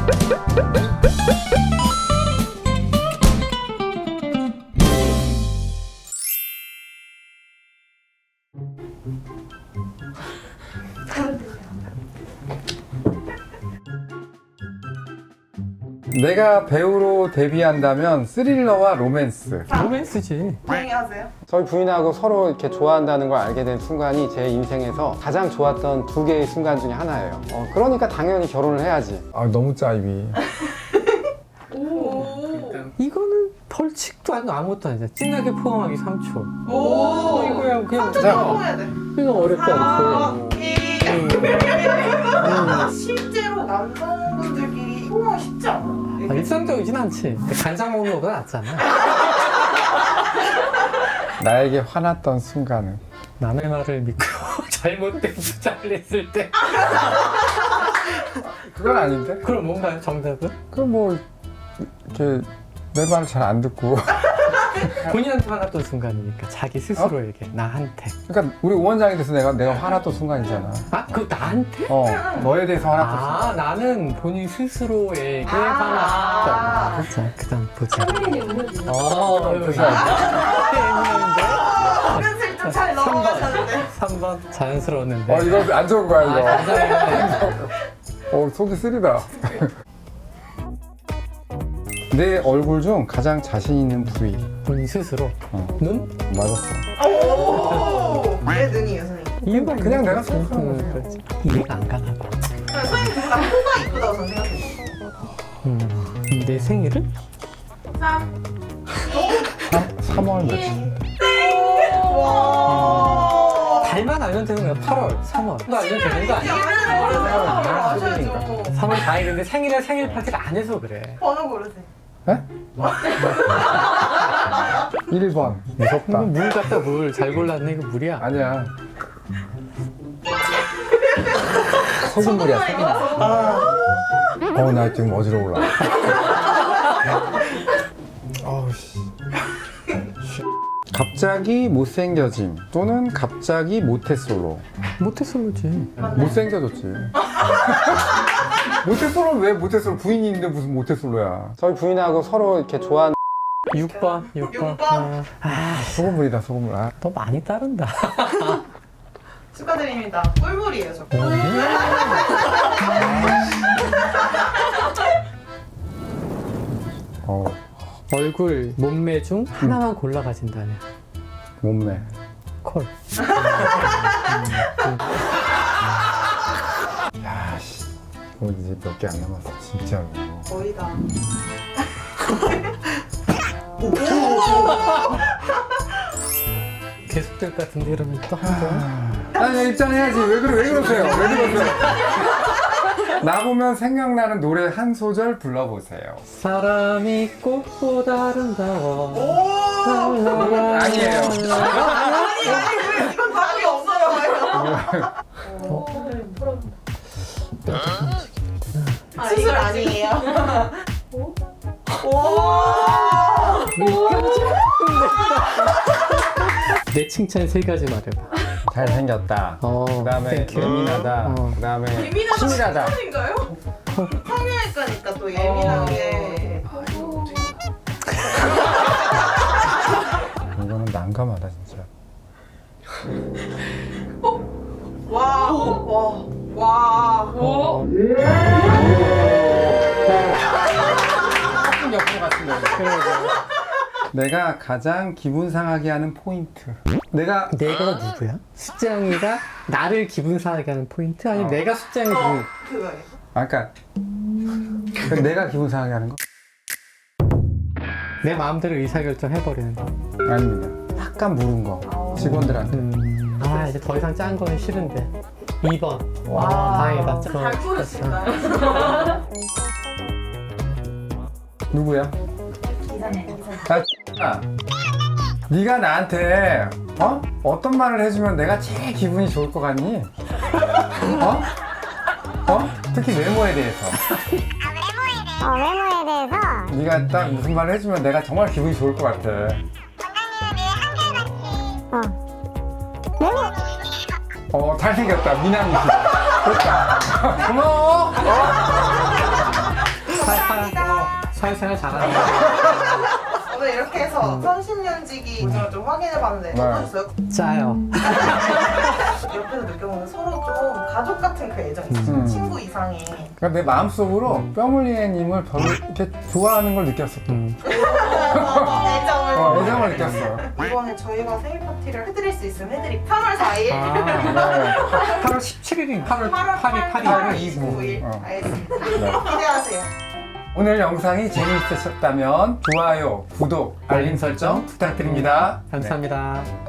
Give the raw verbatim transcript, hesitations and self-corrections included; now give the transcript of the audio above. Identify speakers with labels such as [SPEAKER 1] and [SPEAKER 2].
[SPEAKER 1] 내가 배우로 데뷔한다면 스릴러와 로맨스.
[SPEAKER 2] 로맨스지.
[SPEAKER 3] 조용히 하세요.
[SPEAKER 1] 저희 부인하고 서로 이렇게 좋아한다는 걸 알게 된 순간이 제 인생에서 가장 좋았던 두 개의 순간 중에 하나예요. 어, 그러니까 당연히 결혼을 해야지. 아 너무 짜이비.
[SPEAKER 3] 오.
[SPEAKER 2] 이거는 벌칙도 아니고 아무것도 아니야. 진하게 포함하기 삼 초.
[SPEAKER 3] 오.
[SPEAKER 2] 이거야 그냥
[SPEAKER 3] 삼 초 해야 돼.
[SPEAKER 2] 이거 어렵지
[SPEAKER 3] 아,
[SPEAKER 2] 않고.
[SPEAKER 3] 이. 실제로 남성분들끼리 포옹하기 쉽지 않아.
[SPEAKER 2] 아, 일상적이진 않지. 근데 간장 먹는 거보다 낫잖아.
[SPEAKER 1] 나에게 화났던 순간은
[SPEAKER 2] 남의 말을 믿고 잘못된 주장을 했을 때.
[SPEAKER 1] 그건 아닌데?
[SPEAKER 2] 그럼 뭔가요 정답은?
[SPEAKER 1] 그럼 뭐 이렇게 내 말을 잘 안 듣고.
[SPEAKER 2] 본인한테 화났던 순간이니까 자기 스스로에게 나한테.
[SPEAKER 1] 그러니까 우리 오원장이 돼서 내가 내가 화났던 순간이잖아.
[SPEAKER 2] 아 그거 나한테?
[SPEAKER 1] 어 너에 대해서 화났던 순간.
[SPEAKER 2] 아 나는 본인 스스로에게
[SPEAKER 3] 아.
[SPEAKER 2] 화났다. 자 그다음 보자. 어
[SPEAKER 1] 보자.
[SPEAKER 3] 은근슬쩍 잘 넘어가셨는데.
[SPEAKER 2] 삼 번 자연스러웠는데.
[SPEAKER 1] 어 이거 안 좋은 거야 이거.
[SPEAKER 2] 아, 감사해요.
[SPEAKER 1] 어 속이 쓰리다. 내 얼굴 중 가장 자신 있는 부위.
[SPEAKER 2] 본인 스스로.
[SPEAKER 1] 어.
[SPEAKER 2] 눈?
[SPEAKER 1] 맞았어.
[SPEAKER 3] 오. 왜 눈이에요, 선생님?
[SPEAKER 2] 이유가
[SPEAKER 1] 그냥
[SPEAKER 2] 있는
[SPEAKER 1] 내가
[SPEAKER 2] 거지.
[SPEAKER 1] 생각하는
[SPEAKER 2] 음,
[SPEAKER 1] 거지.
[SPEAKER 2] 그렇지. 이해가 안 가나 봐.
[SPEAKER 3] 선생님 누구나 코가 이쁘다고 저는 생각해요.
[SPEAKER 2] 음. 내 생일은?
[SPEAKER 3] 삼.
[SPEAKER 1] 삼월 며칠.
[SPEAKER 3] 와.
[SPEAKER 2] 달만 알면 되는 거야. 팔월, 삼월. 너 알면 되는 거 아니야?
[SPEAKER 3] 아셔야죠.
[SPEAKER 2] 삼월 사 일인데 생일에 생일 파티를 안 해서 그래.
[SPEAKER 3] 번호 고르세요.
[SPEAKER 1] 에? 일 번.
[SPEAKER 2] 이거
[SPEAKER 1] 무섭다.
[SPEAKER 2] 물 같다 물. 잘 골랐네. 이거 물이야.
[SPEAKER 1] 아니야. 소금물이야, 소금물. 어, 나 지금 어지러워 올라. 어우, 씨. 갑자기 못생겨짐 또는 갑자기 모태솔로.
[SPEAKER 2] 모태솔로지.
[SPEAKER 1] 못생겨졌지. 모태솔로는 왜 모태솔로? 부인이 있는데 무슨 모태솔로야. 저희 부인하고 서로 이렇게 좋아하는
[SPEAKER 2] 육 번, 육 번.
[SPEAKER 3] 육 번.
[SPEAKER 2] 아, 아,
[SPEAKER 1] 소금물이다, 소금물. 아.
[SPEAKER 2] 너 많이 따른다.
[SPEAKER 3] 축하드립니다. 꿀물이에요, 저.
[SPEAKER 1] 어,
[SPEAKER 2] 얼굴, 몸매 중 하나만 골라 가진다네.
[SPEAKER 1] 몸매.
[SPEAKER 2] 콜.
[SPEAKER 1] 야, 씨. 뭐 이제 몇 개 안 남았어, 진짜로.
[SPEAKER 3] 거의 다.
[SPEAKER 2] 계속될 것 같은데 이러면 또 한 번.
[SPEAKER 1] 아니, 입장해야지. 왜 그래, 왜 그러세요? 왜 그러세요? 나 보면 생각나는 노래 한 소절 불러보세요.
[SPEAKER 2] 사람이 꽃보다 아름다워.
[SPEAKER 3] 오!
[SPEAKER 1] 아니에요.
[SPEAKER 3] 아니, 아니, 왜 이건 답이 없어요. 아, 수술 아니에요. 오!
[SPEAKER 2] 내 칭찬 세 가지 말해봐.
[SPEAKER 1] 잘생겼다.
[SPEAKER 2] 어,
[SPEAKER 1] 그 다음에
[SPEAKER 2] 땡큐.
[SPEAKER 1] 예민하다.
[SPEAKER 2] 어.
[SPEAKER 1] 그 다음에
[SPEAKER 3] 예민하다
[SPEAKER 1] 치밀하다.
[SPEAKER 3] 칭찬인가요? 성형외과니까 또 예민하게.
[SPEAKER 1] 이거는 난감하다, 진짜.
[SPEAKER 3] 와, 와, 와.
[SPEAKER 2] 어.
[SPEAKER 1] 조금 옆으로 갔으면. 내가 가장 기분 상하게 하는 포인트. 내가
[SPEAKER 2] 내가 누구야? 숙장이가 나를 기분 상하게 하는 포인트? 아니면
[SPEAKER 1] 어.
[SPEAKER 2] 내가 숙장이
[SPEAKER 3] 어,
[SPEAKER 2] 기분...
[SPEAKER 3] 그거예요.
[SPEAKER 1] 아까 그러니까 내가 기분 상하게 하는 거?
[SPEAKER 2] 내 마음대로 의사결정 해버리는 거.
[SPEAKER 1] 아닙니다. 약간 물은 거. 직원들한테.
[SPEAKER 2] 음... 아 이제 더 이상 짠 거는 싫은데. 이 번.
[SPEAKER 3] 와,
[SPEAKER 2] 아, 다행이다.
[SPEAKER 3] 잘 고르신다.
[SPEAKER 1] 누구야? 아, 네가 나한테 어? 어떤 말을 해주면 내가 제일 기분이 좋을 것 같니? 어? 어? 특히 외모에 대해서.
[SPEAKER 4] 어, 외모에 대해서
[SPEAKER 1] 네가 딱 무슨 말을 해주면 내가 정말 기분이 좋을 것 같아.
[SPEAKER 4] 어, 외모
[SPEAKER 1] 어, 잘생겼다. 미남이시다. 됐다. 고마워. 어?
[SPEAKER 3] 감사합니다.
[SPEAKER 2] 사회생활 잘하네.
[SPEAKER 3] 오늘 이렇게 해서 삼십 년지기 보증을 좀 확인해봤는데
[SPEAKER 1] 네.
[SPEAKER 3] 어떠셨어요?
[SPEAKER 2] 짜요.
[SPEAKER 3] 옆에서 느껴보는 서로 좀 가족 같은 그 애정이 있어요.
[SPEAKER 1] 음.
[SPEAKER 3] 친구 이상의.
[SPEAKER 1] 그러니까 내 마음속으로 뼈물리애님을 별로 이렇게 좋아하는 걸 느꼈어. 또.
[SPEAKER 2] 음.
[SPEAKER 3] 애정을.
[SPEAKER 1] 어, 애정을 느꼈어.
[SPEAKER 3] 이번에 저희가 생일 파티를 해드릴 수 있으면 해드릴게요. 삼월 사일.
[SPEAKER 2] 아,
[SPEAKER 1] 네.
[SPEAKER 2] 팔월 십칠일인가?
[SPEAKER 3] 팔월
[SPEAKER 2] 팔일, 팔일.
[SPEAKER 3] 팔월 이십구일.
[SPEAKER 1] 어.
[SPEAKER 3] 알겠습니다.
[SPEAKER 1] 네.
[SPEAKER 3] 기대하세요.
[SPEAKER 1] 오늘 영상이 재미있으셨다면 좋아요, 구독, 알림 설정 부탁드립니다.
[SPEAKER 2] 감사합니다.